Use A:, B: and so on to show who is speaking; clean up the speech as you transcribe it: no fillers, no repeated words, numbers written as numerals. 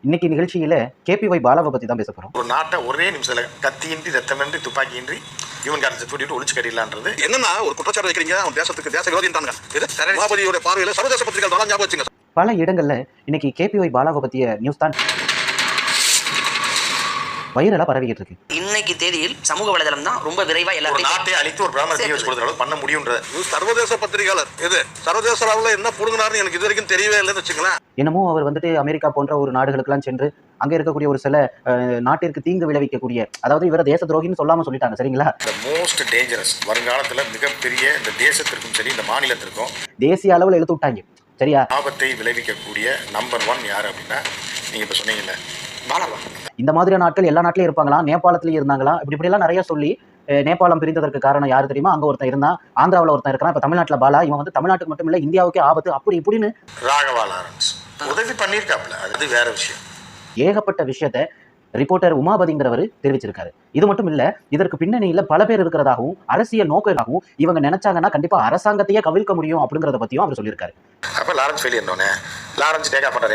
A: இன்னைக்கு நிகழ்ச்சியில கேபிஒய் பாலாவை பத்தி தான் பேச போறோம்.
B: ஒரு நாட்டை ஒரே நிமிஷத்துல கத்தியின்றி ரத்தமின்றி துப்பாக்கியின்றி இவன் காரணத்தை கூட்டிட்டு ஒழிச்சு கட்டிடலான்றது
C: என்னன்னா ஒரு குற்றச்சாட்டு வைக்கிறீங்க. அவன் தேசத்துக்கு தேச விரோதின்றாங்க. இது சபாபதியோட பார்வையில சர்வதேச பத்திரிகை தான் ஞாபகம் வச்சுங்க.
A: பல இடங்கள்ல இன்னைக்கு கேபிஒய் பாலாவை பத்திய நியூஸ் தான் வைரலா பரவிக்கிட்டு இருக்கு.
D: இன்னைக்கு தேதியில் சமூக வலைதளம் தான் ரொம்ப விரைவா எல்லாத்தையும்
B: நாட்டை அழித்து ஒரு பிராமண தீ வச்சு கொடுத்த அளவு பண்ண முடியும்ன்ற
C: சர்வதேச பத்திரிகையாளர் இது சர்வதேச அளவுல என்ன புடுங்கினார்னு எனக்கு இது வரைக்கும் தெரியவே இல்லைன்னு வச்சுங்களேன்.
A: என்னமோ அவர் வந்துட்டு அமெரிக்கா போன்ற ஒரு நாடுகளுக்கெல்லாம் சென்று அங்க இருக்கக்கூடிய ஒரு சில நாட்டிற்கு தீங்கு விளைவிக்கக்கூடிய, அதாவது இவர தேச துரோகின்னு சொல்லாம சொல்லிட்டாங்க. சரிங்களா?
B: மோஸ்ட் டேஞ்சரஸ் வருங்காலத்துல மிகப்பெரிய இந்த தேசத்திற்கும் சரி இந்த மாநிலத்திற்கும்
A: தேசிய அளவில் எழுத்து விட்டாங்க. சரியா?
B: ஆபத்தை விளைவிக்கக்கூடிய நம்பர் 1 யாரு அப்படின்னா நீங்க இப்ப சொன்னீங்கல்ல பாலாவா.
A: இந்த மாதிரியான ஆட்கள் எல்லா நாட்டிலையும் இருப்பாங்களா, நேபாளத்திலயும் இருந்தாங்களா, இப்படி எல்லாம் நிறைய சொல்லி நேபாளம் பிரிந்ததற்கு காரணம் யாரு தெரியுமா? அங்க ஒருத்தன் இருந்தான், ஆந்திராவில் ஒருத்தன் இருக்கான், இப்ப தமிழ்நாட்டுல பாலா. இவன் வந்து தமிழ்நாட்டுக்கு மட்டும் இல்ல இந்தியாவுக்கே ஆபத்து அப்படி இப்படின்னு
B: ராகவா லாரன்ஸ் உதவி பண்ணியிருக்காப்ல, அது வேற விஷயம்.
A: ஏகப்பட்ட விஷயத்த ரிப்போர்ட்டர் உமாபதிங்கிறவர் தெரிவிச்சிருக்காரு. இது மட்டும் இல்ல, இதற்கு பின்னணியில பல பேர் இருக்கிறதாகவும் அரசியல் நோக்கமாகவும் இவங்க நினைச்சாங்கன்னா கண்டிப்பா அரசாங்கத்தையே கவிழ்க்க முடியும் அப்படிங்கறத பத்தியும் அவர் சொல்லியிருக்காரு.
B: அப்ப Lawrence failure Lawrence take off பண்றாரு.